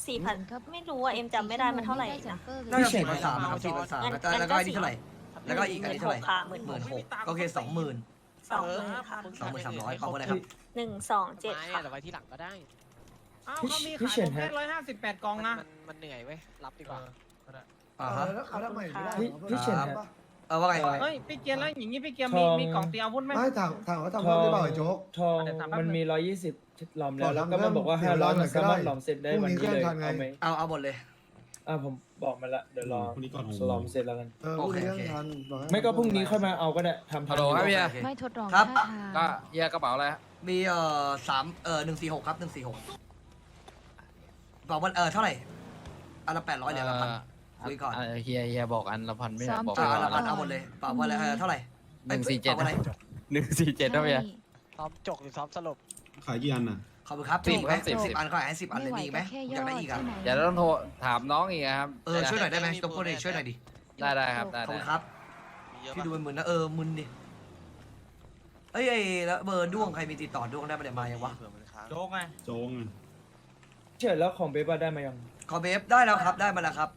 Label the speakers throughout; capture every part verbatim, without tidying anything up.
Speaker 1: สี่พันไม่รู้อ่ะเอ็มจำไม่ได้มันเท่าไหร่นะ
Speaker 2: น่าจะสี่พันสามครับสี่พันสามแล้วก็แล้วก็อันนี้เท่าไหร่แล้วก็อีกอันนี้เท่าไหร่
Speaker 1: หมื่น
Speaker 2: ห
Speaker 1: ห
Speaker 2: มื่
Speaker 1: ก
Speaker 2: นหกโอเคสองหมื่น
Speaker 1: สองหมื่นค่ะ
Speaker 2: สองหมื่นสามร้อยเปล่าอะไรครับ
Speaker 1: หนึ่งสองเจ็ดค่ะ
Speaker 3: แต่ไว้ที่หลังก็ได้
Speaker 4: อ้าวเขามีขายผมแค่ร้อยห้าสิบแปดกล่องนะ
Speaker 3: มันมันเหนื่อยเว้ยรับดีกว่า
Speaker 2: อ่าฮะ
Speaker 5: เขาทำไมไม่ได้
Speaker 6: พี่เฉินฮะ
Speaker 2: เออว่าไง
Speaker 4: เฮ้ยพี่เกียร์แล้วอย่างนี้พี่เกียร์มี
Speaker 6: ทอง
Speaker 4: มีกล่องเตรียมอาวุธไหม
Speaker 5: ไม่ถามถามว่าทำเพิ่มได้เปล่าไอ้โจ๊ก
Speaker 6: ทอง
Speaker 4: เดี๋ยวถามแป๊บ
Speaker 6: มัน
Speaker 4: นึง
Speaker 6: มีร้อยยี่สิบหลอม
Speaker 5: ข
Speaker 6: แล้
Speaker 5: อ
Speaker 6: วแล้ว
Speaker 5: ทำ
Speaker 6: ก็มันบอกว่า
Speaker 5: เพิ่
Speaker 6: ห้าม ร้อย
Speaker 5: เดี๋
Speaker 6: มั
Speaker 5: ย
Speaker 6: น
Speaker 5: ว
Speaker 6: สามารถ
Speaker 5: ได้
Speaker 6: หลอมเสร็จได้
Speaker 5: พรุ่ง
Speaker 6: วัน
Speaker 5: นี้
Speaker 6: นี้เลย
Speaker 5: เครื่องทันไง
Speaker 6: เอาไหม
Speaker 2: เอาเอาหมดเลย
Speaker 6: อ่าผมบอกมาละเดี๋ยวรอ
Speaker 7: พรุ่งนี้ก่อนหก
Speaker 6: หลอมเสร็จแล้วกัน
Speaker 5: เออพรุ่งนี้เครื่องทันบอกให้
Speaker 6: ไม่ก็พรุ่งนี้ค่อยมาเอาก็ได้ทำทัน
Speaker 8: ฮัลโหลครับพี่
Speaker 2: โอเค
Speaker 9: ไม่ทดลอง
Speaker 2: ครับ
Speaker 9: ท่าทาง
Speaker 8: ก็เฮียกระเป๋าอะไรฮะ
Speaker 2: มีเอ่อสามเอ่อหนึ่งสี่หกครับหนึ่งสี่หกบอกว่าเออเท่าไหร่อันละแปดร้อยเหรียญละพันคุยก่อน
Speaker 8: เเฮียเฮียบอกอันละพันไม่ใช่บอก
Speaker 2: อ่า
Speaker 8: ไป
Speaker 2: อันละพัน
Speaker 8: ก่
Speaker 2: เอา
Speaker 8: อน
Speaker 2: หมดเลยเปล่าว่าอะไรเออเท่าไหร่
Speaker 8: หนึ่งสี่เจ็ด
Speaker 2: ปล่าว่าอะไร
Speaker 8: หนึ่งสี่เจ็ดนะพี่
Speaker 3: ซ้อมจกหรือซ้อมสลบ
Speaker 7: ขายกี่อันน่ะ
Speaker 2: ขอบคุณครับ
Speaker 8: สิบ
Speaker 2: มีไหม
Speaker 8: ครับสิบ
Speaker 2: สิบอันก็ให้สิบอันเลย
Speaker 9: ไม่ไหว
Speaker 2: มีอีกไหม
Speaker 9: ก็แค่
Speaker 2: อยากได้อีก
Speaker 9: ย่
Speaker 2: อ่ะ
Speaker 9: ใช่ไหม
Speaker 8: เดี๋ยวต้องโทรถามน้องอีกครับ
Speaker 2: เออช่วยหน่อยได้ไหมต้องพูดเลยช่วยหน่อยดิ
Speaker 8: ได้ได้ครับได้
Speaker 2: ขอบ
Speaker 8: ได้
Speaker 2: คุณครับพี่ดูเป็นมึนนะเออมึนดิเอ้ยไอ้แล้วเบอร์ด้วงใครมีติดต่อด้วงได้มาเดี๋ยวมายังวะ
Speaker 4: โจ๊กไง
Speaker 7: โจ้งอะ
Speaker 6: เฉินแล้วของเบบ้าได้มายัง
Speaker 2: ขอเบฟได้แล้วครับได้มาแล้วครับ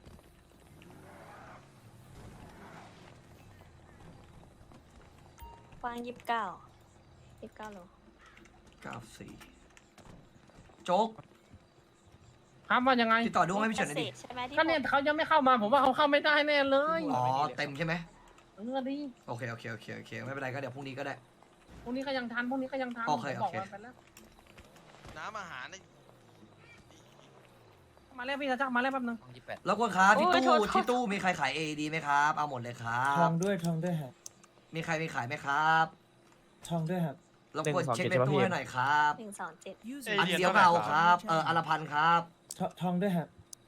Speaker 1: กว้างยี่สิบเก้ายี่สิบเก้าโล
Speaker 2: เก้าสี่โจ๊ก
Speaker 4: ครับว่ายังไง
Speaker 2: ติดต่อด้วงให้พี่เฉินหน่อยดิ
Speaker 1: ใช่ไหมที่
Speaker 4: ก็เนี่ยเขายังไม่เข้ามาผมว่าเขาเข้าไม่ได้แน่เลย
Speaker 2: อ๋อเต็มใช่ไหม
Speaker 4: เออดิ
Speaker 2: โอเคโอเคโอเคโอเคไม่เป็นไรก็เดี๋ยวพรุ่งนี้ก็ได้
Speaker 4: พรุ่งนี้ก็ยังทันพรุ่งนี้ก็ยังทัน
Speaker 2: โอเค
Speaker 4: ผมบอก
Speaker 2: โอเค
Speaker 4: มันไปแล้ว
Speaker 3: น้ำอาหารใน
Speaker 4: มาแล้วพี่จะจักมาแล้วแป๊บนึง
Speaker 8: ยี่สิบแปด
Speaker 2: แล้วก็ครับที่
Speaker 1: โอ้ยโท
Speaker 2: ตู้
Speaker 1: ษโทษ
Speaker 2: ที่ตู้มีใครขายเอดีไหมครับเอาหมดเลยครั
Speaker 6: ทอบ งด้วยทองด้วยฮะ
Speaker 2: มีใครมีขายไหมครับ
Speaker 6: ทองด้วยฮะ
Speaker 2: รบกวนเช็คในตู้ให้หน่อยครับ
Speaker 1: หนึ่งสองเจ็ด
Speaker 2: อันเดียวเก่าครับเอออันละพันครับ
Speaker 6: ททองด้วยฮะ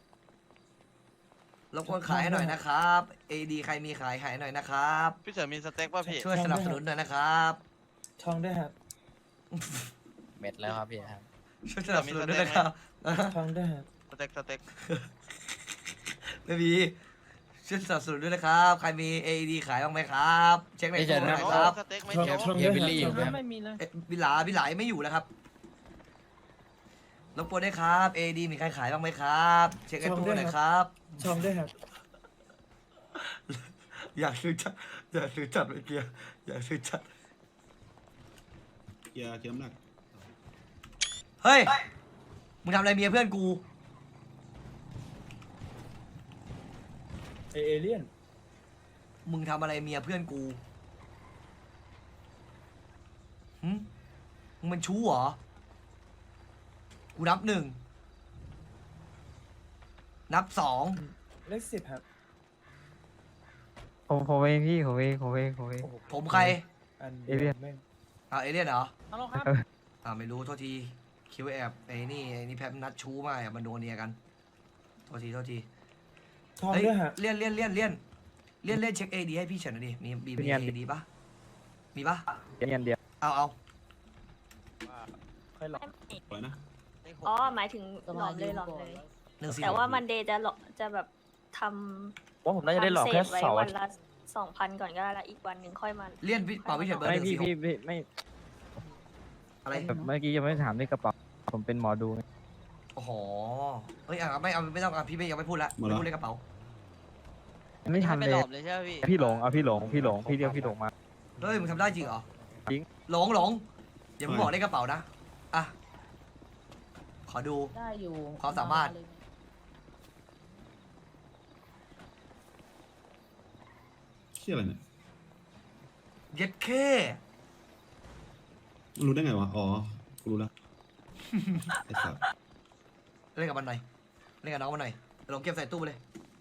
Speaker 2: รบกวนขายให้หน่อยนะครับเอดีใครมีขายขายหน่อยนะครับ
Speaker 3: พี่เฉินมีสเต็กป่ะพี่
Speaker 2: ช่วยสนับสนุนหน่อยนะครับ
Speaker 6: ทองด้วยฮะ
Speaker 8: เม็ดแล้วครับพี่ครับ
Speaker 2: ช่วยสนับสนุนด้วยนะครับ
Speaker 6: ทองด้วยฮะ
Speaker 3: สเต็กสเต็ก
Speaker 2: ไม่มีช่วยสนับสนุนด้วยนะครับใครมีเอดีขายบ้างไหมครับเช็คในตู้หน่อยครับ
Speaker 3: สเต็กไม่
Speaker 6: ทอง
Speaker 3: เจอ
Speaker 6: ทอง
Speaker 8: เฮี
Speaker 6: ด้
Speaker 8: ย
Speaker 6: วย
Speaker 8: บิลลี่อยู่
Speaker 6: ฮะ
Speaker 8: ไหมครับ
Speaker 4: ไม่มีเลย
Speaker 2: เอ๊ะบิลาบิลาไม่อยู่แล้วครับรบกวนด้วยครับเอดีมีใครขายบ้างไหมครับเช็คในตู้หน่อยครับ
Speaker 6: ทองด้วยฮะ
Speaker 2: อยากซื้อจัดอยากซื้อจัดเมื่อกี้อยากซื้อจัด
Speaker 7: เกียร์เกียร์น้ำหนัก
Speaker 2: เฮ้ยมึงทำอะไรเมียเพื่อนกู
Speaker 6: เอเอเลี่ยน
Speaker 2: มึงทำอะไรเมียเพื่อนกูหึมึงมันชู้เหรอกูนับหนึ่งนับสอง
Speaker 6: เลขสิบฮะ
Speaker 8: ผมผมเองพี่ผมเองผมเองผมเอง
Speaker 6: โอ้โห
Speaker 2: ผมใคร
Speaker 6: อัน
Speaker 8: เอเลี่ยน
Speaker 6: แม่ง
Speaker 2: อ่าเอเลี่ยนเหรอ
Speaker 4: ฮัลโหลครับ
Speaker 2: อ่าไม่รู้โทษทีคิวแอบไอ้นี่ไอ้นี่แพมนัดชู้มาอ่ะมันโดนเนียกันโทษทีโทษที
Speaker 6: ทอง
Speaker 2: เฮ้ย
Speaker 6: ด้วยฮะ
Speaker 2: เลี่ยนเลี่ยนเลี่ยนเลี่ยนเลี่ยนเลี่ยนเช็คเอดีให้พี่เฉินหน่อยดิมีมีมีเอดีปะมีปะ
Speaker 8: เงี้ยเดียว
Speaker 2: เอาเอา
Speaker 6: ค่อยหลอก
Speaker 7: อะไรนะ
Speaker 1: อ๋อหมายถึงหลอมเลยหลอมเลย
Speaker 2: หนึ่งสี่
Speaker 1: แต่ว่ามันเดย์จะหลอจะแบบท
Speaker 8: ว่าผม
Speaker 1: ำ
Speaker 8: น่าจะได้หลอกแค่
Speaker 1: ทำเศษไว้
Speaker 8: เสาร์
Speaker 1: วันละสองพันก่อนก็ได้ละอีกวันหนึ่งค่อยมา
Speaker 2: เลี่ยนพี่เป่าพี่เฉินเบอร์ห
Speaker 8: ไม่
Speaker 2: นึ่ง
Speaker 8: พี่
Speaker 2: สี่ห
Speaker 8: พี่
Speaker 2: ก
Speaker 8: พี่ไม่
Speaker 2: อะไร
Speaker 8: แบบเมื่อกี้ยังไม่ถามในกระเป๋าผมเป็นหมอดู
Speaker 2: โอ้โหเฮ้ยอ่ะไม่เอาไม่ต้องอ่ะพี่ไม่ยังไม่พูดละไม่พูดเลขกระเป๋า
Speaker 8: ไม่ทันเลย
Speaker 3: เลยใช่ไหมพี่
Speaker 8: พี่หลงเอาพี่หลงพี่หลงพี่เรียกพี่หลงมา
Speaker 2: เฮ้ยมึงทำได้จริงเหรอ
Speaker 8: จริง
Speaker 2: หลงหลงอย่าเพิ่งบอกเลขกระเป๋านะอ่ะขอดู
Speaker 9: ได้อยู่
Speaker 2: ความสามารถ
Speaker 7: เชี่ยอะไรเนี่ย
Speaker 2: เย็ดเค
Speaker 7: มันรู้ได้ไงวะ อ๋อ กูรู้แล้ว ไอ้สัส
Speaker 2: เล่นกับมันหน่อยเล่นกับน้องมันหน่อยหลงเก็บใส่ตู้ไปเลย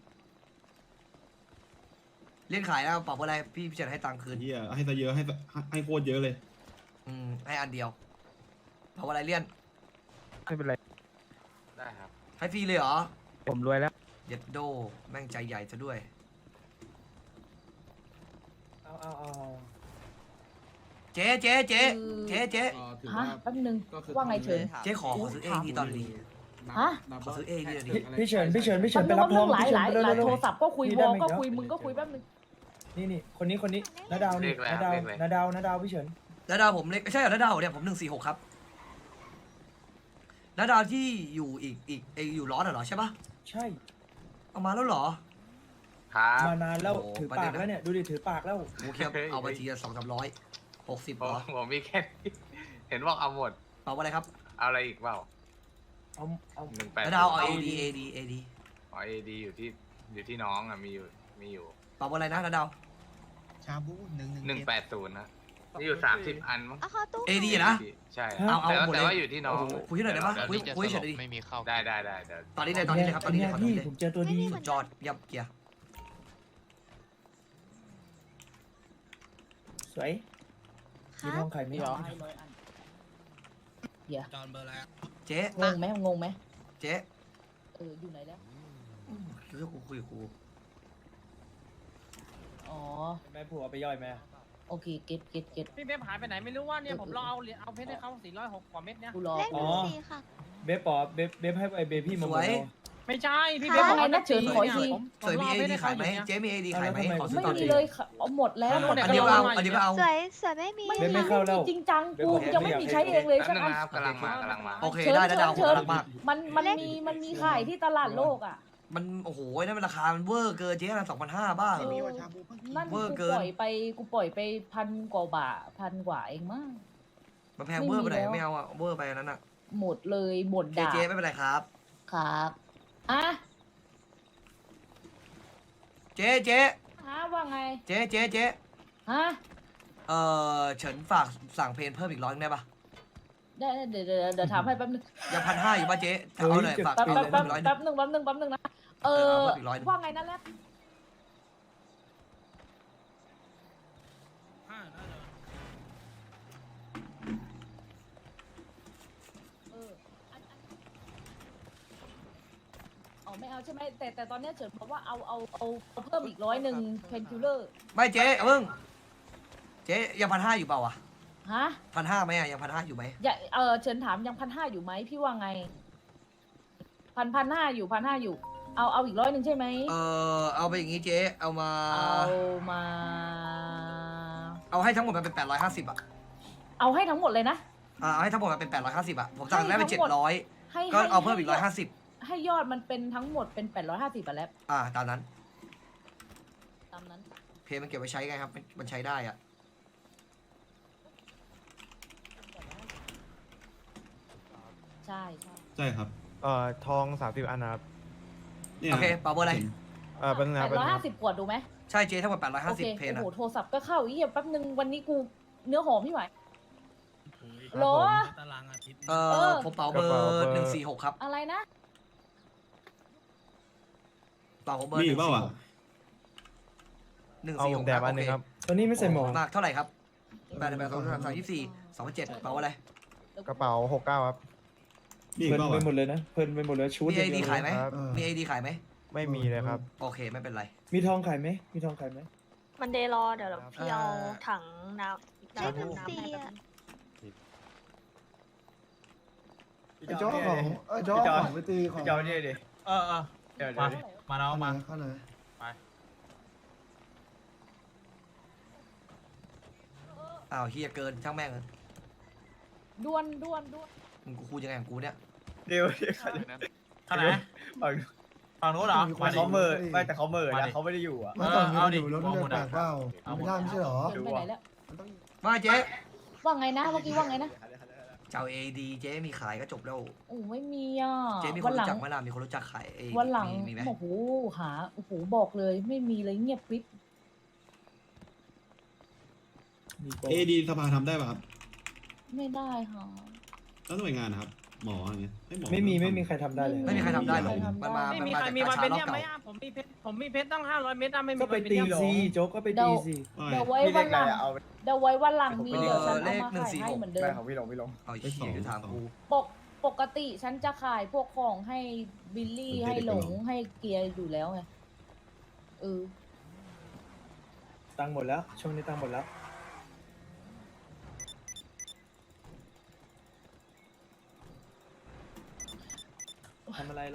Speaker 2: เล่นขายแล้วเป่าอะไรพี่พี่เฉินให้ตังค์คืน
Speaker 7: เฮียให้ซะเยอะให้ซะให้โคตรเยอะเลย
Speaker 2: อืมให้อันเดียวเป่าอะไรเลี่ยน
Speaker 8: ไม่เป็นไรได้ครับ
Speaker 2: ให้ฟรีเลยเหรอ
Speaker 8: ผมรวยแล้ว
Speaker 2: เย็ดโดแม่งใจใหญ่ซะด้วย
Speaker 6: เอาเอาเอาเอา
Speaker 2: เจ๊เจ๊เจ๊เจ๊เจ๊
Speaker 9: ฮะแป๊บนึงว่าไงเฉิน
Speaker 2: เจ๊ขอขอซื้อเอดีตอนนี้
Speaker 9: ฮะ
Speaker 2: ขอซื้อเอดีตอน
Speaker 6: พี่
Speaker 2: นี้
Speaker 6: พี่เฉินพี่เฉินพี่เฉิ
Speaker 9: ฉั
Speaker 6: น
Speaker 9: น
Speaker 6: ไป
Speaker 9: นึก
Speaker 6: รับ
Speaker 9: ว่า
Speaker 6: ท
Speaker 9: เรื่
Speaker 6: อ
Speaker 9: อง งหลาย
Speaker 6: พี่
Speaker 9: หลาย
Speaker 6: เฉิน
Speaker 9: หลาย
Speaker 6: เร็วๆ
Speaker 9: โทรศัพท์ก็คุย
Speaker 6: พี่
Speaker 9: ว
Speaker 6: ได้
Speaker 9: อ
Speaker 6: ไหม
Speaker 9: ก็
Speaker 6: ครับ
Speaker 9: คุยมึงก็คุยแป๊บนึง
Speaker 6: นี่นี่คนนี้คนนี้นาดาวนี่นาดาวนาดาวนาดาวพี่เฉิน
Speaker 2: แล้วดาวผมเล็กใช่เหรอแล้วดาวเนี่ยผมหนึ่งสี่หกครับแล้วดาวที่อยู่อีกอีกไออยู่ร้อนเหรอใช่ปะ
Speaker 6: ใช่
Speaker 2: เอามาแล้วเหรอ
Speaker 8: ครับ
Speaker 6: มานานแล้ว
Speaker 2: โอ้โห
Speaker 6: ถือ
Speaker 2: ประ
Speaker 6: ปา
Speaker 2: เด็
Speaker 6: ก
Speaker 2: นนะ
Speaker 6: แล้วเนี่ยดูดิถือปากแล้ว
Speaker 2: โอเคเอาไปทีละสองสามร้อยหกสิบ
Speaker 8: ผม
Speaker 2: เหรอ
Speaker 8: ผมมีแค่นี้เห็นบอกเอาหมด
Speaker 2: เปล่าอะไรครับ
Speaker 8: เอาอะไรอีกเปล่า
Speaker 6: เอาเอา
Speaker 8: หนึ่งแปด
Speaker 2: แล้วดาวเอา AD AD AD
Speaker 8: อ๋อเอดีอยู่ที่อยู่ที่น้องอ่ะมีอยู่มีอยู่
Speaker 2: เปล่าอะไรนะแล้วดาว
Speaker 3: ชาบูหนึ่งหนึ่ง
Speaker 8: หนึ่งแปดศูนย์นะมีอยู่สามสิบอันมั้ง
Speaker 10: เอาเข้าตู้
Speaker 2: AD นะ
Speaker 8: ใช่
Speaker 2: เอาเอา
Speaker 8: แต่ว่า
Speaker 2: หมดเลย
Speaker 8: แต่ว่าอยู่ที่น้อง
Speaker 2: คุยที่ไหนได้ปะ
Speaker 8: ดี๋ว
Speaker 2: คุย
Speaker 8: ดี๋ว
Speaker 2: คุยเฉยดิ
Speaker 3: ไม่มีเข้า
Speaker 8: ได้ได้ได้เดี๋ยว
Speaker 2: ตอนนี้เลยตอนนี้เลยครับตอนนี้เลยขอตอน
Speaker 6: พี่
Speaker 2: นี้เลย
Speaker 6: ผมเจอตัวดี
Speaker 2: สุดยอดเยับเกียร์
Speaker 6: สวยมีทองไข่ไหม
Speaker 9: ร้อยร้อยอันเดี๋ยว
Speaker 3: จอนเบอร์แล้ว
Speaker 2: เจ๊
Speaker 9: งงไหมงงไหม
Speaker 2: เจ๊
Speaker 9: เอออยู่ไหนแล้ว
Speaker 2: เรื่องกูคุยกับกู
Speaker 9: อ๋อ
Speaker 6: แม่ผัวไปย่อยไหม
Speaker 9: โอเคเก็ตเก็ตเก็ต
Speaker 4: พี่เบฟหายไปไหนไม่รู้ว่าเนี่ยผมรอเอาเหรียญเอาเพชรให้เขาสี่ร้อยหกกว่าเม็ดเนี่ย
Speaker 9: กูรอ
Speaker 10: เลขหนึ่งสี่ค่ะ
Speaker 6: เบฟปอเบฟเบฟให้ไอเบพี่มาหมดแล้ว
Speaker 4: ไม่ใช่พี่
Speaker 9: ค่ะ
Speaker 4: เบฟบอก
Speaker 9: ไงนะเฉินขออีกที
Speaker 4: ผม
Speaker 2: สวยมี
Speaker 4: ร
Speaker 2: AD
Speaker 4: พชให้
Speaker 2: ขายไหม
Speaker 4: เนี่
Speaker 2: เจ๊มี AD ขายไหม
Speaker 6: แล้วทำไม
Speaker 2: ขอซื้อ
Speaker 9: ไม่
Speaker 2: ตอน
Speaker 9: มี
Speaker 2: นี้
Speaker 9: เลยค่ะเอาหมดแล้วหมด
Speaker 2: อันเดียวก็เอาอันเดียวก็เอา
Speaker 10: สวยสวยไม่มี
Speaker 9: ไม่
Speaker 6: เบฟไม่เข้าแล้ว
Speaker 9: จริงจังกูยังไม่มีใช้เองเลย
Speaker 8: แป๊บ
Speaker 9: สัก
Speaker 8: นึง
Speaker 9: อัน
Speaker 8: นะครับกำลังมากำลังมา
Speaker 2: โอเค
Speaker 9: เชิญ
Speaker 2: ได้ได้ดาว
Speaker 9: เชิญ
Speaker 2: รักมาก
Speaker 9: มันมันมีมันมีขายที่ตลาดโลกอ่ะ
Speaker 2: มันโอ้โหนั่นมันราคา มันเวอร์เกินเจ๊นะสองพันห้าบ้า
Speaker 9: เออนั่น
Speaker 2: เว
Speaker 9: กู
Speaker 2: อร์
Speaker 9: ป
Speaker 2: เกิน
Speaker 9: ล่อยไปกูปล่อยไปพันกว่าบาทพันกว่าเองมั้ง
Speaker 2: มันแพงเวอร์ไปไหน
Speaker 9: ไม่มีแล้ว
Speaker 2: ไม่เอาอะเวอร์ไปอันนั้นอะ
Speaker 9: หมดเลยหมด
Speaker 2: เจ๊
Speaker 9: ด่า
Speaker 2: เจ๊ไม่เป็นไรครับ
Speaker 9: ครับอ่ะ
Speaker 2: เจ๊เจ๊
Speaker 9: ฮะว่าไง
Speaker 2: เจ๊เจ๊เจ๊
Speaker 9: ฮะ
Speaker 2: เออเฉินฝากสั่งเพลงเพิ่มอีกร้อยนึงได้ปะ
Speaker 9: ได้เดี๋ยวเดี๋ยวเดี๋ยวถามให้แป๊บนึง
Speaker 2: ยังพันห้าอยู่ป่ะเจ๊เอาหน่อยฝาก
Speaker 9: แป๊บ
Speaker 2: เพลง
Speaker 9: แป๊บ
Speaker 2: เพิ่
Speaker 9: แป๊
Speaker 2: ม
Speaker 9: บ
Speaker 2: อีกร้อยนึ
Speaker 9: แป๊
Speaker 2: ง
Speaker 9: บหนึ่งแป๊บหนึ่งแป๊บหนึ่งนะ เอ
Speaker 2: เออ
Speaker 9: อ
Speaker 2: เอาเพิ่มอีกร้อยหนึ่ง
Speaker 9: ว่าไงนั่นแหละเอออันอันอ๋อไม่เอาใช่ไหมแต่แต่ตอนเนี้ยเฉินบอกว่าเอาเอาเอาเอาเพิ่มอีกร้อยหนึ่งเพนคิลเลอร์
Speaker 2: ไม่เจ๊เอาเพิ่งเจ๊ยังพันห้าอยู่เปล่าอะ
Speaker 9: ฮะ
Speaker 2: พันห้าไหมอะยังพันห้าอยู่ไหม
Speaker 9: อย่าเออเฉินถามยังพันห้าอยู่ไหมพี่ว่าไงพันพันห้าอยู่พันห้าอยู่ เอาเอาอีกร้อยหนึ่งใช่ไหม
Speaker 2: เออเอาไปอย่างงี้เจ๊เอามา
Speaker 9: เอามา
Speaker 2: เอาให้ทั้งหมดมันเป็นแปดร้อยห้าสิบอะ
Speaker 9: เอาให้ทั้งหมดเลยนะ
Speaker 2: อ่าเอาให้ทั้งหมดมันเป็นแปดร้อยห้าสิบอะผมสั่งได้เป็น
Speaker 9: ให้
Speaker 2: เจ็
Speaker 9: ทั้
Speaker 2: ด
Speaker 9: งหม
Speaker 2: ร้อย
Speaker 9: ให้
Speaker 2: ก็
Speaker 9: ให้
Speaker 2: เอาเพิ่มอีกร้อย
Speaker 9: ให้
Speaker 2: ห้าสิบ
Speaker 9: ให้ยอดมันเป็นทั้งหมดเป็นแปดร้อยห้าสิบอะแล้ว
Speaker 2: อ่าตามนั้น
Speaker 9: ตามนั้น
Speaker 2: เพลงมันเก็บไว้ใช้ไงครับมันมันใช้ได้อะ
Speaker 9: ใช่ใช่
Speaker 7: ใช่ครับ
Speaker 8: เอ่อทองสามสิบอันนะครับ
Speaker 7: เนี่ย
Speaker 2: โอเคเปล่าเบอร์อะไร
Speaker 8: เออเป็นไง
Speaker 9: แปด
Speaker 8: เป็น
Speaker 9: ร้อย
Speaker 8: ไง
Speaker 9: ห้าสิบขวดดูไหม
Speaker 2: ใช่เจ๊ทั้งหมดแปดร้อยห้า
Speaker 9: โอ
Speaker 2: สิบ
Speaker 9: เค
Speaker 2: เพลง
Speaker 9: โอ้
Speaker 2: อะ
Speaker 9: โหโทรศัพท์ก็เข้าอีกแป๊บนึงวันนี้กูเนื้อหอมพี่ไหวโหรอ
Speaker 3: ตารางอาทิตย์
Speaker 2: เอ
Speaker 9: เอ
Speaker 2: อ
Speaker 9: อ
Speaker 2: ผมเป่าเบอร์หนึ่งสี่หกครับ
Speaker 9: อะไรนะ
Speaker 2: เป่าผมเบอร์
Speaker 7: มี
Speaker 2: ห
Speaker 7: อี
Speaker 2: นึ่
Speaker 7: ก
Speaker 2: ง
Speaker 7: เปล่า
Speaker 2: สี่ห
Speaker 7: อ่ะ
Speaker 2: กหนึ่ง
Speaker 8: เอา
Speaker 2: สี่
Speaker 8: ผ
Speaker 2: ห
Speaker 8: ม
Speaker 2: ก
Speaker 8: แดบอันหนึงครับ
Speaker 6: ตอนนี้ไม่ใส่หมวก
Speaker 2: มากเท่าไหร่ครับแปดแปดสองสามสามยี่สิบสี่สองพันเจ็ดเป่าอะไร
Speaker 8: กระเป๋าหกเก้าครับ
Speaker 7: มีอี
Speaker 6: เพลิ
Speaker 7: ก
Speaker 6: น
Speaker 7: เปล่า
Speaker 6: ไป
Speaker 7: อ่ะ
Speaker 6: หมดเลยนะเพลินไปหมดเลยชุด
Speaker 2: มีไอดี
Speaker 6: เว
Speaker 2: ขายไหม
Speaker 8: ครับ
Speaker 5: เออ
Speaker 2: มีไอดีขายไหม
Speaker 8: ไม่มีเลยครับ
Speaker 2: โอเคไม่เป็นไร
Speaker 6: มีทองขายไหมมีทองขายไหม
Speaker 1: มันเดย์รอเดี๋ยวพี่เอาถังน้ำ
Speaker 10: เลขหนึ่ง
Speaker 1: น้ำ
Speaker 10: สี่
Speaker 1: ให้แป๊บ
Speaker 10: อ่ะ
Speaker 1: นึง
Speaker 5: ไอ้โจ๊กของไอ้โจ๊กของไปตีของ
Speaker 3: เดี๋ยวดิเออเออเดี๋ยวเดี๋ยวมาน้องมา
Speaker 5: เข้าหน่อย
Speaker 2: อ้าวเฮียเกินช่างแม่งเลย
Speaker 9: ด่วนด่วนด่วน
Speaker 2: มึงกูคูยังไงของกูเนี่ย
Speaker 3: เดี๋ยวท่านไหนฝั่งฝั่งนู้นเหรอ
Speaker 5: แต่เขาเมอร์ไม่แต่
Speaker 3: เขาเมอร์นะเขาไม่ได้อยู่อ่ะ
Speaker 5: ไม่ตอนนี้
Speaker 3: เอา
Speaker 5: มัน
Speaker 3: ดิ
Speaker 5: อยู่รถมันแปลกเปล่าไม่ได้ไม่ใช่หรอ
Speaker 9: เฉินไปไหนแล้ว
Speaker 5: มันต้อง
Speaker 2: ว่าเจ๊
Speaker 9: ว่าไงนะเมื่อกี้ว่าไงนะ
Speaker 2: เจ้าเอดีเจ๊มีขายก็จบแล้ว
Speaker 9: โอ้ไม่มีอ่ะ
Speaker 2: เจ๊มีค
Speaker 9: วัน นห
Speaker 2: รู้
Speaker 9: ลัง
Speaker 2: จักไหมล่ะมีคนรู้จักขายเอ
Speaker 9: วันหลัง
Speaker 2: มีมีไหม
Speaker 9: โอ้โหหาโอ้โหบอกเลยไม่มีเลยเงียบกริบ
Speaker 6: มีโปร
Speaker 7: เอดีสภาทำได้ป่ะครับ
Speaker 9: ไม่ได้ค่ะ
Speaker 7: แล้วหน่วยงานนะครับ หมออะไรเงี้ยให้หมอ
Speaker 6: ไม่มีไม่มีใครทำได้เลย
Speaker 2: ไม่มีใครทำได้หรอก
Speaker 9: ไม่มีใครทำได้
Speaker 2: มันมา
Speaker 4: ไม่
Speaker 2: มัน
Speaker 4: มี
Speaker 2: มา
Speaker 4: ใคร
Speaker 2: จาก
Speaker 4: มี
Speaker 2: กา
Speaker 4: วัน
Speaker 2: ชา
Speaker 4: เป็น
Speaker 2: รอบ
Speaker 4: เนี่ย
Speaker 2: เก่า
Speaker 4: ไหมอ่ะผมมีเพชรผมมีเพชรตั้งห้าร้อยเม็ดอ่ะไม่มี
Speaker 6: ก็ไป
Speaker 4: วัน
Speaker 6: ตี
Speaker 4: เนี่ย
Speaker 6: ซีโจ๊กก็ไปตีซี
Speaker 7: ว่า
Speaker 9: เดี๋ยว
Speaker 7: ไง
Speaker 9: ไว้วันหลังเดี๋ยวไว้วันหลังมีเดี๋ยวฉันเอามาขายให้เหมือนเดิม
Speaker 3: ของพี่ลงพี่ลง
Speaker 2: เอาเฮียอยู่ทางกู
Speaker 9: ปกปกติฉันจะขายพวกของให้บิลลี่ให้หลงให้เกียร์อยู่แล้วไงเออ
Speaker 6: ตังค์หมดแล้ว ช่วงนี้ตังค์หมดแล้วทำอะไรเรา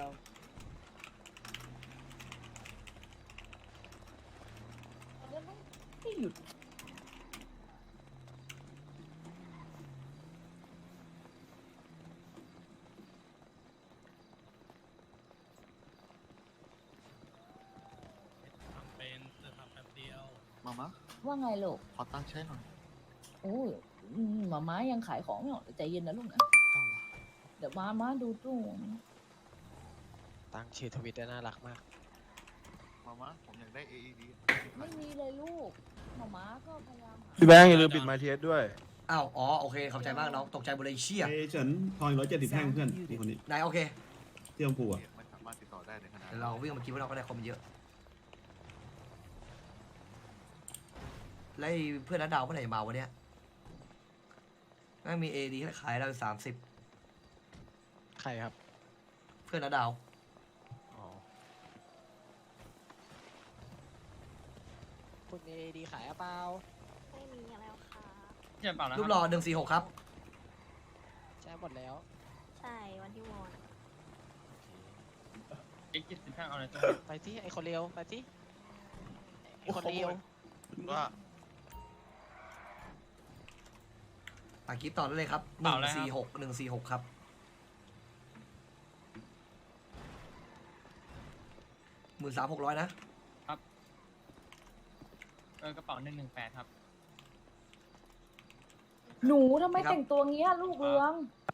Speaker 9: ไม่หยุด
Speaker 3: มามา
Speaker 9: ว่าไงลูก
Speaker 3: ขอตั้งใช้หน่อย
Speaker 9: โอ้ยอืมหมาม้ายังขายของไม่หมดใจเย็นนะลูกนะ
Speaker 3: เอาวะ
Speaker 9: เดี๋ยวมาม้าดูตู้
Speaker 10: ตั้งชื่อทวิตได้น่ารักมาก
Speaker 3: มามาผมอยากได้ เอ อี ดี
Speaker 9: ไม่มีเลยลูกหมาม้าก็พยายามหา
Speaker 7: พี่แบงค์อย่าลืมปิดไมค์เทสด้วย
Speaker 2: อ้าวอ๋อโอเคขอบใจมากน้องตกใจหมดเลยเชี่ย
Speaker 7: เอ้ยเฉินทองร้อยเจ็ดสิบแท่งเพื่อนนี่คนนี้
Speaker 2: นายโอเค
Speaker 7: ที่ลำพูอ่ะ
Speaker 3: ไม่สามารถติดต่อได้ในขณะ
Speaker 2: เดี๋ยวเราวิ่งมาคิดว่าเราก็ได้คอมเยอะแล้วไอ้เพื่อนนัดดาวเมื่อไหร่จะมาวะเนี่ยน่ามีเอดีขายเราสามสิบ
Speaker 10: ใครครับ
Speaker 2: เพื่อนนัดดาว
Speaker 10: อ๋อ คุณเอดีขายหรือเปล่า
Speaker 1: ไม่มีแล้วค่ะ
Speaker 4: เจ็บเปล่านะค
Speaker 2: รูปหล่อหนึ่งสี่หกครับ
Speaker 10: ใช่หมดแล้ว
Speaker 1: ใช่วันที่วอน
Speaker 4: อีกเจ็ดสิบห้าเอาเลยจ้ะ
Speaker 10: ไปที่ไอคนเร็วไปที่ไอคนเร็ว
Speaker 3: ว่า
Speaker 2: อ่ะคลิปต่อได้เลยครับหนึ่งสี่หกหนึ่งสี่หกครับหมื่นสามหกร้อยนะ
Speaker 4: เออกระเป๋าหนึ่งหนึ่งแปดครับ
Speaker 9: หนูทำไมแต่งตัวเงี้ยลูกเรือง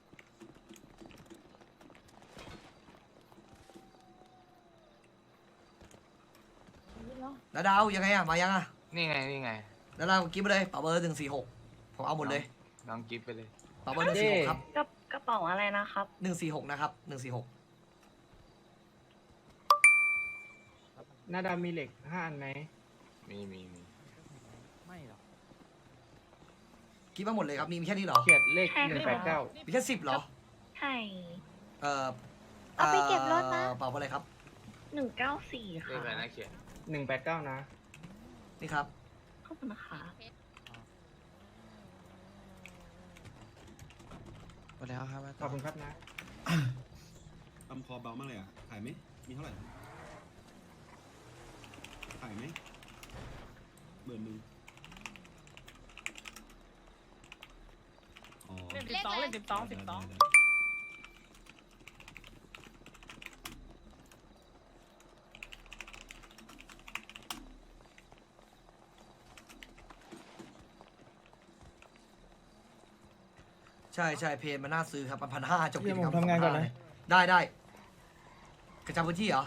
Speaker 9: นี่เนาะ
Speaker 2: นัดดาวยังไงอะมายังอะ
Speaker 8: นี่ไงนี่ไง
Speaker 2: นัดดาวกิฟต์ไปเลยเป๋าเบอร์หนึ่งสี่หกผมเอาหมดเลย
Speaker 8: น้องกิฟต์ไปเลย
Speaker 2: เป๋าเบอร์หนึ่งสี่หกครับ
Speaker 1: กระกระเป๋าอะไรนะครับ
Speaker 2: หนึ่งสี่หกนะครับหนึ่งสี่หก
Speaker 6: หน้าดำมีเหล็กห้าอันไหม
Speaker 8: มีมีมี
Speaker 10: ไม่หรอก
Speaker 2: คิดมาหมดเลยครับมีมีแค่นี้เหรอ
Speaker 6: เขียดเลข
Speaker 1: ใช่
Speaker 6: หนึ่ง
Speaker 1: ค่ะ
Speaker 6: แปดเก้า
Speaker 2: มีแค่สิบเหรอ
Speaker 1: ใช่
Speaker 2: เอ่อ
Speaker 1: เอาไปเก็บรถนะ
Speaker 2: เอ่อเป๋าอะไรครับ
Speaker 1: หนึ่งเก้าสี่
Speaker 8: เลข
Speaker 1: ค่ะ
Speaker 8: อะไรนะเขียน
Speaker 6: หนึ่งแปดเก้านะ
Speaker 2: นี่ครับ
Speaker 1: ขอบคุณนะคะ
Speaker 10: หมดแล้วครับ
Speaker 6: ขอบคุณครับนะ
Speaker 7: ทำคอเบามากเลยอ่ะขายไหมมีเท่าไหร่ขายไหมเบอร์หนึ่งอ๋อ
Speaker 4: เล่นสิบสองเล่นสิบสองสิบสอง
Speaker 7: ได้ได้ได้
Speaker 2: ใช่ใช่เพนมันน่าซื้อครับพันห้าจบ
Speaker 6: เดี๋
Speaker 2: กิ
Speaker 6: ยว
Speaker 2: จ
Speaker 6: ผ
Speaker 2: กรร
Speaker 6: ม
Speaker 2: ม
Speaker 6: ทำงานก่อนนะ
Speaker 2: ได้ได้กระจายพื้นที่เหรอ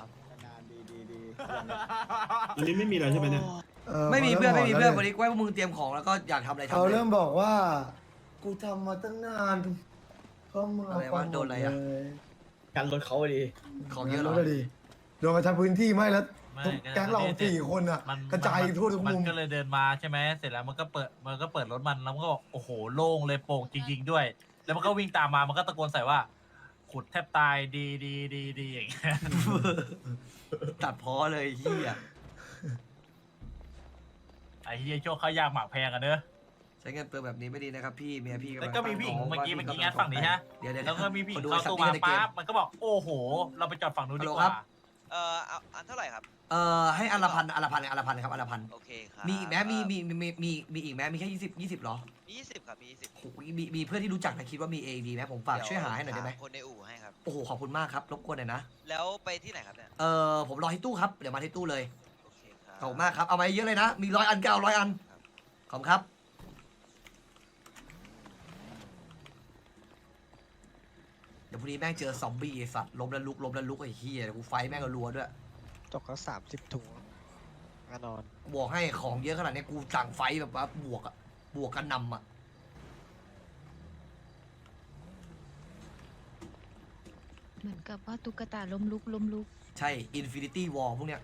Speaker 7: อันนี้ไม่มีอะไรใช่ไหมเนี่ย
Speaker 2: ไม่มีเพื่อนไม่มีเพื่อนวันนี้ไว้พวกมึงเตรียมของแล้วก็อยากทำอะไรทำ
Speaker 5: เขา
Speaker 2: เลย
Speaker 5: เริ่มบอกว่า กูทำมาตั้งนานเขามึงเอา
Speaker 2: อะไร
Speaker 5: ไป
Speaker 2: วะ
Speaker 5: หม
Speaker 2: โดนอะไรอะ
Speaker 5: เลย
Speaker 6: การรถเขาดี
Speaker 2: ของเยอะเหรอ
Speaker 5: งั้นดิโดนกระชับพื้นที่ไม่แล้ว
Speaker 4: ไม่
Speaker 5: ทุกแก๊งเราสี่คนอ่ะ
Speaker 4: มัน
Speaker 5: กระจายทั่วทุก
Speaker 4: มัน
Speaker 5: มุม
Speaker 4: ก็เลยเดินมาใช่ไหมเสร็จแล้วมันก็เปิดมันก็เปิดรถมันแล้วมันก็บอกโอ้โหโล่งเลยโปร่งจริง ๆ ด้วย แล้วมันก็วิ่งตามมามันก็ตะโกนใส่ว่า ขุดแทบตายดีดีดีดีอย่างเงี้ย
Speaker 2: ตัดพ้อเลยเฮีย
Speaker 4: ไอ้เฮียโชคเขายากหมากแพงกันเนอะ
Speaker 2: ใช้เงินเปลืองแบบนี้ไม่ดีนะครับพี่เมียพี่
Speaker 4: แล้วก็มีผู้หญิงเมื่อกี้เมื่อกี้งัดฝั่งนี้ฮะ
Speaker 2: เดี๋ยวเดี๋ยว
Speaker 4: แล้วก็มีผู้หญิง
Speaker 2: ดู
Speaker 4: เข้า
Speaker 2: สัก
Speaker 4: ตู้
Speaker 2: นิด
Speaker 4: มา
Speaker 2: ในเกม
Speaker 4: ปั๊บมันก็บอกโอ้โห เราไปจอดฝั่งนู้นดีกว่า
Speaker 10: เอ่อเอาอันเท่าไหร่ครับ
Speaker 2: เอ่อให้อันละพันอันละพันอันละพันครับอันละพัน
Speaker 10: โอเคครับ
Speaker 2: มีอีกไหมมีมีมีมีมีมีอีกไหมมีแค่ยี่สิบยี่สิบหรอ
Speaker 10: มียี่สิบครับมียี่สิบ
Speaker 2: โอ้โหมีมีเพื่อนที่รู้จักนะคิดว่ามีเอดีไหมผมฝากช่วยหาให้หน่อยได้ไหม
Speaker 10: คนในอู่ให้ครับ
Speaker 2: โอ้โหขอบคุณมากครับรบกวนหน่อยนะ
Speaker 10: แล้วไปที่ไหนครับเนี่ย
Speaker 2: เออผมรอที่ตู้ครับเดี๋ยวมาที่ตู้เลย
Speaker 10: โอเคครับ
Speaker 2: ขอบคุณมากครับเอามาเยอะเลยนะมีร้อยอันก็เอาร้อยอันขอบคุณครับเดี๋ยวพรุ่งนี้แม่งเจอซอมบี้ไอ้สัตว์ล้มแล้วลุกล้มแล้วลุกไอ้เฮียเดี๋ยวกูไฟแม่งก็รัวด้วย
Speaker 10: ตกก็สามสิบถุงแน่นอน
Speaker 2: บวกให้ของเยอะขนาดนี้กูสั่งไฟแบบว่าบวกอะบวกกันนำอะ
Speaker 11: เหมือนกับว่าตุ๊กตาล้มลุกล้มลุก
Speaker 2: ใช่อินฟินิตี้วอลพวกเนี้ย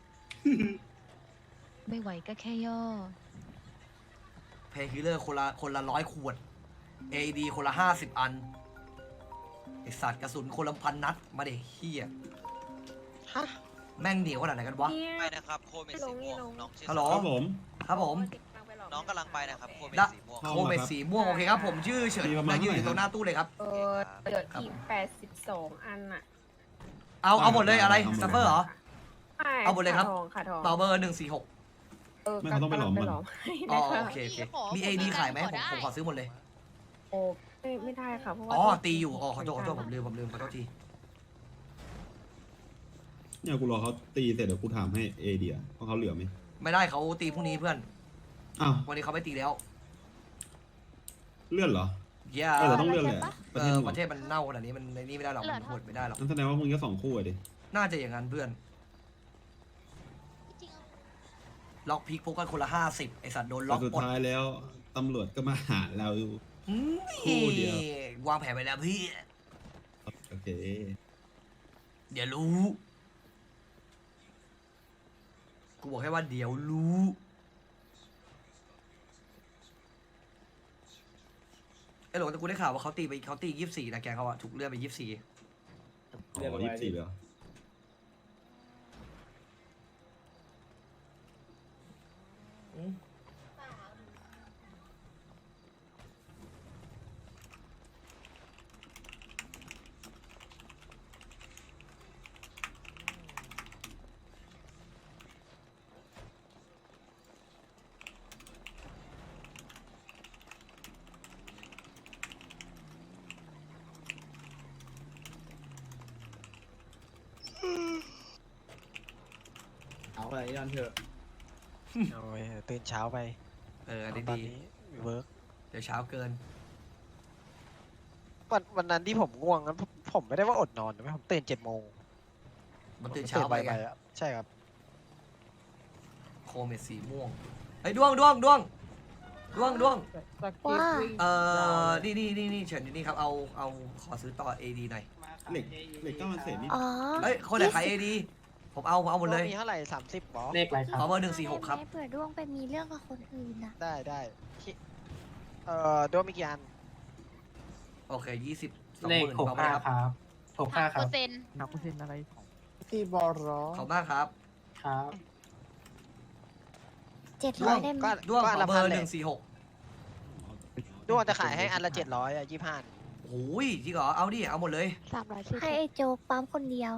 Speaker 11: ไม่ไหวก็แค่ย่อ
Speaker 2: เพย์คิลเลอร์คนละคนละร้อยขวด เอ ดี คนละห้าสิบอันไอสัตว์กระสุนคนละพันนัดมาเด็เฮีย
Speaker 10: ฮะ
Speaker 2: แม่งเหนียวขนาดไหนกันวะ
Speaker 10: ไปนะครับโคเมดสีม่วงน้องชื่อ
Speaker 2: ฮัลโหล
Speaker 7: ครับผม
Speaker 2: ครับผม
Speaker 10: น้องกำลังไปนะครับโคเมด
Speaker 2: ได้
Speaker 10: สีม่วง
Speaker 2: โคเมดสีม่วงโอเคครับผมชื่อเฉิน
Speaker 7: มีประมาณ
Speaker 2: และยืนอยู่
Speaker 7: เท่าไหร่
Speaker 2: ตรงหน้าตู้เลยครับ
Speaker 10: เออ
Speaker 9: เดี๋ยวอีกแปดสิบสองอันอ่ะ
Speaker 2: เอาเอาหมดเลยอะไร
Speaker 7: เอาหมดเลย
Speaker 2: ซัฟเฟอร์เหรอ เอาหมดเลยครับ
Speaker 9: ขาทองขาทอง
Speaker 2: เบาเบอร์หนึ่งสี่หก
Speaker 9: เออ
Speaker 7: ไม่เขาต้องไปหลอมมัน
Speaker 2: อ๋อโอเคโอเคมีเอดีขายไหมผมผมขอซื้อหมดเลย
Speaker 9: โอ้ไม่ไม่ได้ค่ะเพราะว่า
Speaker 2: อ๋อตีอยู่อ๋อขอโทษขอโทษผมลืมผมลืมขอโทษที
Speaker 7: เนี่ยกูรอเขาตีเสร็จเดี๋ยวกูถามให้เอเดียเพราะเขาเหลือไหม
Speaker 2: ไม่ได้เขาตีพรุ่งนี้เพื่อน
Speaker 7: อ้าว
Speaker 2: วันนี้เขาไม่ตีแล้ว
Speaker 7: เลื่อนเหรอ
Speaker 2: เย้
Speaker 7: เออแต่ต้องเลื่อนแหละประ
Speaker 2: เอ
Speaker 7: เทศ
Speaker 2: อ
Speaker 7: หม
Speaker 2: ป
Speaker 7: ด
Speaker 2: ระเทศมันเน่าขนาดนี้มันในนี่ไม่ได้หรอกมันหดไม่ได้หรอก
Speaker 7: นั่นแสดงว่ามึงก็สองคู่อะดิ
Speaker 2: น่าจะอย่างนั้นเพื่อนล็อกพิกพวกกันคนละห้าสิบไอสัตว์โดนล็
Speaker 7: แต่
Speaker 2: อก
Speaker 7: สุด
Speaker 2: หมด
Speaker 7: ท้ายแล้วตำรวจก็มาหาเราอยู่
Speaker 2: อืม
Speaker 7: คู่เดียว
Speaker 2: วางแผนไปแล้วพี่
Speaker 7: โอเค
Speaker 2: เดี๋ยวรู้กูบอกแค่ว่าเดี๋ยวรู้ไอ้หลงแต่กูได้ข่าวว่าเขาตีไปเขาตียี่สิบสี่นะแกเขาอะถูกเลื่อนไปยี่สิบสี่
Speaker 7: อ๋อยี่สิบสี่เลยเหรอ
Speaker 3: เอาอะไรยันเถอะ
Speaker 10: โอ้ยตื่นเช้าไป
Speaker 2: เอออันนี้
Speaker 10: ตอน
Speaker 2: ดี
Speaker 10: นี้เวิร์ก
Speaker 2: เดี๋ยวเช้าเกิน
Speaker 10: วันวันนั้นที่ผมง่วงนั้นผมผมไม่ได้ว่าอดนอนนะผมตื่นเจ็ดโมง
Speaker 2: มันตื่นเช้าไปไง
Speaker 10: อะใช่ครับ
Speaker 2: โคเมดสีม่วงไอ้ยด้วงด้วงด้วงด้วงด้วง
Speaker 1: ว่า
Speaker 2: เออนี่นี่นี่นี่เฉินนี่ครับเอาเอาขอซื้อต่อ เอ ดี หน่อย
Speaker 7: เหล็กเหล็กเก้ามันเศษนี่
Speaker 1: อ๋อ
Speaker 2: เฮ้ยคนไหนขาย เอ ดี ผมเอาผมเอาหมดเลย
Speaker 10: มีเท่าไหร่สามสิบหรอ
Speaker 3: เลขอะไรค
Speaker 2: ข
Speaker 3: รั
Speaker 2: อบ เบอร์หนึ่งสี่หกครับ
Speaker 1: เผื่อด้วงไปมีเรื่องกับคนอื่นนะ
Speaker 10: ได้ได้ที่เอ่อโดมิกิอัน
Speaker 2: โอเคยี่สิบสอง
Speaker 3: เล
Speaker 2: ห
Speaker 3: ข
Speaker 2: มื่น
Speaker 3: หก
Speaker 2: เอาไป
Speaker 3: ห้า
Speaker 2: ครับ
Speaker 3: ครับหกห้าครับ
Speaker 11: เปอร์เซ็นต์
Speaker 3: นับเปอร์เซ็นต์อะไรของ
Speaker 6: ที่บอรอ
Speaker 2: ขอบมากครับ
Speaker 3: ครับ
Speaker 1: เจ็ด
Speaker 2: ด้
Speaker 1: ร้
Speaker 2: ว
Speaker 1: อง ยได้ไหม
Speaker 10: ก็
Speaker 2: ด้วง
Speaker 10: ก็
Speaker 2: ข
Speaker 10: อัน
Speaker 2: อ
Speaker 10: ละ
Speaker 2: เบ
Speaker 10: พั
Speaker 2: อน ร์
Speaker 10: เล
Speaker 2: ห
Speaker 10: ย
Speaker 2: นึ่งสี่หก
Speaker 10: ด้วงจะขายให้อันละเจ็ดร้อยอ่ะยี่ห้า
Speaker 2: โอ้ยจริงเหรอเอาดิเอาหมดเลย
Speaker 1: สามร้อยสิบให้ไอ้โจ๊กปั๊มคนเดียว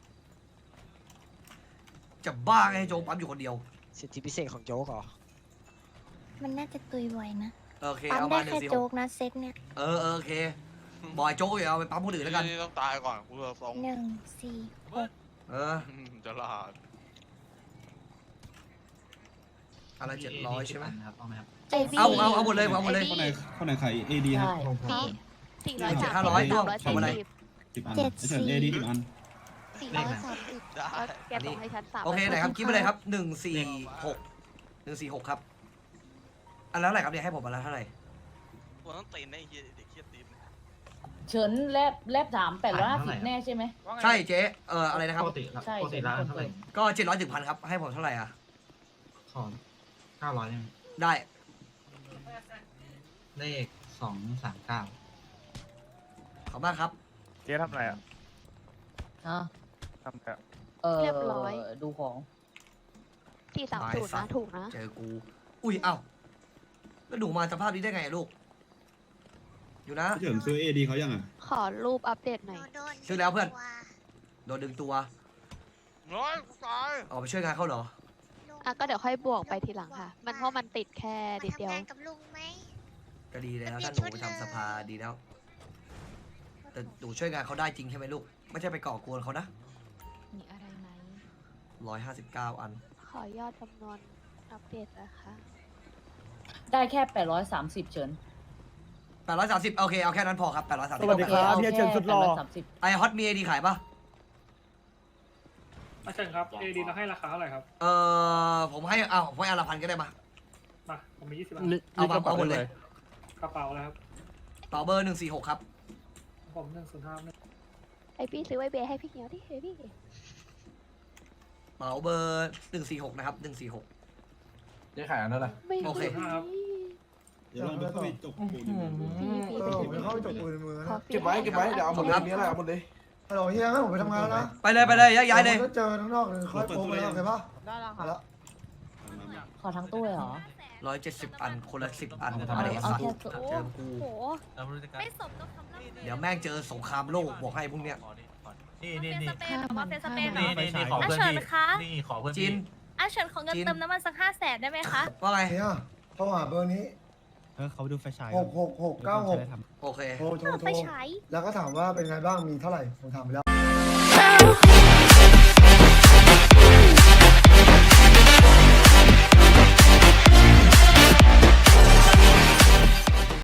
Speaker 2: จะบ้าไงให้โจงปั๊มอยู่คนเดียว
Speaker 10: สิทธิพิเศษของโจ๊กเหรอ
Speaker 1: มันน่าจะตุยบ่อยนะ
Speaker 2: โอเค
Speaker 1: ปั๊ม
Speaker 2: เอา
Speaker 1: ได้
Speaker 2: มาหนึ่
Speaker 1: แค่
Speaker 2: งสี่ห
Speaker 1: โจ๊
Speaker 2: ก
Speaker 1: กนะเซตเนี่ย
Speaker 2: เออเออโอเคบอยโจ๊กอย่าเอาไปปั๊มคนอื่นแล้วกัน
Speaker 8: ต้องตายก่อนกูจะส่ง
Speaker 1: หนึ่งสี่หก
Speaker 2: เออ
Speaker 8: จะลาด
Speaker 2: อะไรเจ็ดร้อยใช่ไหม
Speaker 1: เอ้ย
Speaker 2: เอาเอาเอาหมดเลยเอาหมดเลย
Speaker 7: คนไหนคนไหนขายเอดีครับ
Speaker 11: พี่สี่ร้อย
Speaker 2: เจ็ด
Speaker 11: สาม
Speaker 2: ห้าร้อยด้วง
Speaker 11: สามร้อย
Speaker 2: ทำอะไร
Speaker 11: สี่สิบ
Speaker 7: สิบอันไอ้เฉินเอดีสิบอัน
Speaker 11: สี่ร้อยสามสิบแล้วแกส่งให้ฉันสาม
Speaker 2: โอเคไหนครับคิดไปเลยครับหนึ่งสี่หกหนึ่งสี่หกครับอันแล้วเท่าไหร่ครับเนี่ยให้ผมอันละเท่าไหร่
Speaker 8: กูต้องตีนได้เฮียเด็กเฮียตีน
Speaker 9: เฉินแลบแลบถามแปดร้อยห้าสิบแน่ใช่ไหม
Speaker 2: ใช่เจ๊เอออะไรนะครับ
Speaker 9: ใช่เฉินคนเปิด
Speaker 2: ก็เจ็ดร้อยถึงพันครับให้ผมเท่าไหร่อ่ะ
Speaker 4: ของเก้าร้อย
Speaker 2: ได้
Speaker 4: เลขสองสามเก้า
Speaker 2: ขอบมากครับ
Speaker 3: เจ๊ทำอะไรอ่ะ
Speaker 9: ฮะ
Speaker 3: ทำแบบ
Speaker 9: เออ
Speaker 11: เรียบร้อย
Speaker 9: ดูของ
Speaker 11: สี่สามศูนย์นะถูกนะ
Speaker 2: เจอกู อุ้ยเอ้าแล้วหนูมาสภาพนี้ได้ไงอะลูก อยู่นะ
Speaker 7: เฉินซื้อเอดีเขายังอ่ะ
Speaker 11: ขอรูปอัปเดตหน่อย
Speaker 2: ซื้อแล้วเพื่อน โดนดึงตัว
Speaker 8: ร้อยกูตาย
Speaker 2: ออกไปช่วยงานเขาเหรอ
Speaker 11: อ่ะก็เดี๋ยวค่อยบวกไปทีหลังค่ะ มันเพราะมันติดแค่นิดเดียว
Speaker 2: ก็ดีแล้วถ้าหนูไปทำสภาดีแล้ว แต่หนูช่วยงานเขาได้จริงใช่ไหมลูก ไม่ใช่ไปก่อกวนเขานะ
Speaker 11: มีอะไรไหม
Speaker 2: ร้อยห้าสิบเก้าอัน
Speaker 11: ขอยอดจำนวนอัปเดตนะคะ
Speaker 9: ได้แค่แปดร้อยสามสิบเฉิน
Speaker 2: แปดร้อยสามสิบโอเคเอาแค่นั้นพอครับแปดร้อยสามสิบ
Speaker 6: สวัสดีครับ
Speaker 9: โอ
Speaker 6: เฮียเฉินสุดหล่อ
Speaker 9: แปร้ยสามสิบ
Speaker 2: ไอฮอตมีเอดีขายปะ
Speaker 3: อาจารย์ครับเอดีเราให้ราคาเท่าไหร่ครับ
Speaker 2: เออผมให้เอาผมให้อันละพันก็ได้มา
Speaker 3: มาผมมียี่สิบบาท
Speaker 2: เอามาเอาหมดเลย
Speaker 3: กระเป๋าแล้วครับ
Speaker 2: เป๋าเบอร์หนึ่งสี่หกครับ
Speaker 3: ผมหนึ่งศูนย์ห้าหนึ่ง
Speaker 11: ไอพี่ซื้อไวเบย์ให้พี่เหียวที่เฮ้ยพี่
Speaker 2: เป๋าเบอร์หนึ่งสี่หกนะครับหนึ่งสี่หก
Speaker 4: เจ๊ขายอันนั้นแหละ
Speaker 11: ไม่
Speaker 2: โอเค
Speaker 7: เดี๋ยวลองไปเข้าไปจกปูนอยู่ในมือ
Speaker 11: พี่พี่
Speaker 5: เออผมไปเข้าไปจบปืนในมือ
Speaker 11: ขอ
Speaker 5: นะ
Speaker 11: ฟรี
Speaker 6: เก็บไว้เก็บไว้เดี๋ยวเอาหมดเลย
Speaker 2: ครับ
Speaker 6: มีอะไรเอาหมดเลย
Speaker 5: ฮัลโหลเฮียงั้นผมไปทำงานแล้วนะ
Speaker 2: ไปเลยไปเลยย้ายย้ายเลย
Speaker 5: ดี๋วผมจะเจอข้างนอกเลยค่อยโป๊ไปแล้วโอเคปะ
Speaker 9: ได้แล้ว
Speaker 5: เอาละ
Speaker 9: ขอทั้งตู้เลยเหรอ
Speaker 2: ร้อยเจ็ดสิบอันคนละสิบอัน
Speaker 4: เอา
Speaker 2: มา
Speaker 4: แค่
Speaker 2: เด็สัตว์
Speaker 9: ตัว
Speaker 2: เจอกู
Speaker 11: โอ้โห
Speaker 4: แล้วไม่รู้จะการ
Speaker 1: ไม่สมกับคำล่ำ
Speaker 2: เดี๋ยวแม่งเจอสงครามโลกบอกให้พวกเนี้ย
Speaker 4: ขอนี่ขอนี่นี่
Speaker 1: เป็น
Speaker 4: นี่
Speaker 1: สเปนหรือว่าเป็นสเปนเหร
Speaker 4: นี่
Speaker 1: อ
Speaker 4: นี่นี่ขอเพื่อน
Speaker 1: อ่ะเชิ
Speaker 4: พี่
Speaker 1: ญคะ
Speaker 4: นี่ขอเพื่อน
Speaker 2: จิ
Speaker 4: พี่
Speaker 2: น
Speaker 1: อ่ะเฉินขอเงิน
Speaker 2: จริง
Speaker 1: เติมน้ำมันสักห้าแสนได้ไหมคะ
Speaker 2: ว่าไง
Speaker 5: เฮียโทรหาเบอร์นี้
Speaker 6: เออเขาดูไฟฉาย
Speaker 5: หกหกหกเก้าหก
Speaker 2: โอเค
Speaker 5: โทรโทร
Speaker 1: เออ
Speaker 5: โท
Speaker 1: ไป
Speaker 5: ร
Speaker 1: ใช้
Speaker 5: แล้วก็ถามว่าเป็นไงบ้างมีเท่าไหร่ผมถามไปแล้ว